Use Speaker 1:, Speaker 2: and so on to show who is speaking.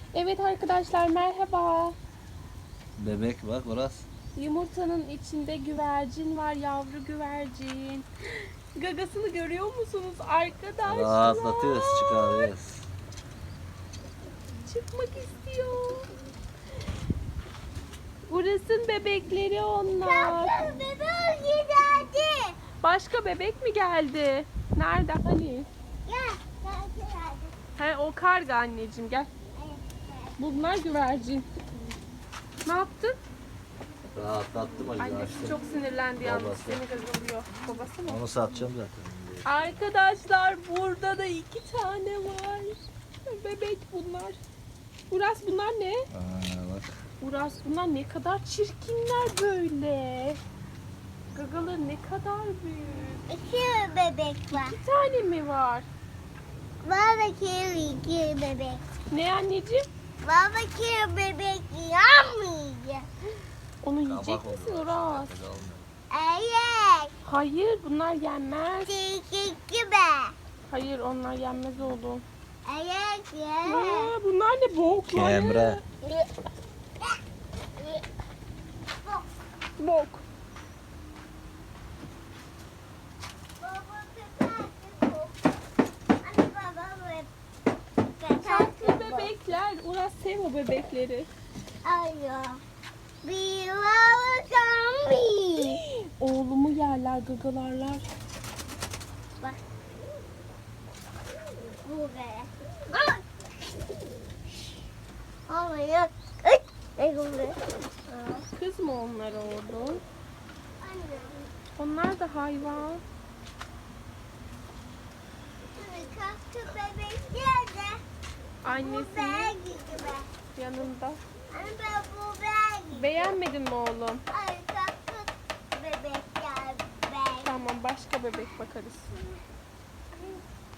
Speaker 1: Evet arkadaşlar merhaba.
Speaker 2: Bebek bak orası.
Speaker 1: Yumurtanın içinde güvercin var, yavru güvercin. Gagasını görüyor musunuz arkadaşlar?
Speaker 2: Rahatlatıyoruz, çıkarıyoruz.
Speaker 1: Çıkmak istiyor. Burasın bebekleri onlar.
Speaker 3: Bebek geldi.
Speaker 1: Başka bebek mi geldi? Nerede hani?
Speaker 3: Gel. Geldi.
Speaker 1: He o karga anneciğim gel. Bunlar güvercin. Ne yaptın?
Speaker 2: Rahatlattım acaba.
Speaker 1: Annesi çok sinirlendi yalnız
Speaker 2: Babası.
Speaker 1: seni gagalıyor. Babası mı?
Speaker 2: Onu satacağım zaten.
Speaker 1: Arkadaşlar burada da 2 tane var. Bebek bunlar. Uras bunlar ne?
Speaker 2: Bak.
Speaker 1: Uras bunlar ne kadar çirkinler böyle. Gagaları ne kadar büyük.
Speaker 3: İki bebek var.
Speaker 1: 2 tane mi var?
Speaker 3: Baba iki bebek.
Speaker 1: Ne anneciğim?
Speaker 3: Baba iki bebek yamayacak.
Speaker 1: Onu yiyecek misin Uras?
Speaker 3: Evet.
Speaker 1: Hayır bunlar yenmez.
Speaker 3: Çekik be.
Speaker 1: Hayır onlar yenmez oğlum.
Speaker 3: Evet ya.
Speaker 1: Aa, bunlar ne bokları?
Speaker 2: Kemre.
Speaker 1: Bok.
Speaker 3: Baba köpek. Anne baba
Speaker 1: Tatlı bebekler. Uras sev o bebekleri.
Speaker 3: Alo. Bir baba zombi.
Speaker 1: Oğlumu yerler, gagalarlar.
Speaker 3: Bak. Bu be. Olmuyor. Ne oluyor?
Speaker 1: Kız mı onlar oğlum?
Speaker 3: Anne.
Speaker 1: Onlar da hayvan.
Speaker 3: Kalktı bebek geldi. Bu
Speaker 1: Annesi
Speaker 3: beye gitti be.
Speaker 1: yanında.
Speaker 3: Anne ben bu beye gitti.
Speaker 1: Beğenmedin mi oğlum?
Speaker 3: Ay kalktı bebek geldi be.
Speaker 1: Tamam başka bebek bakarız.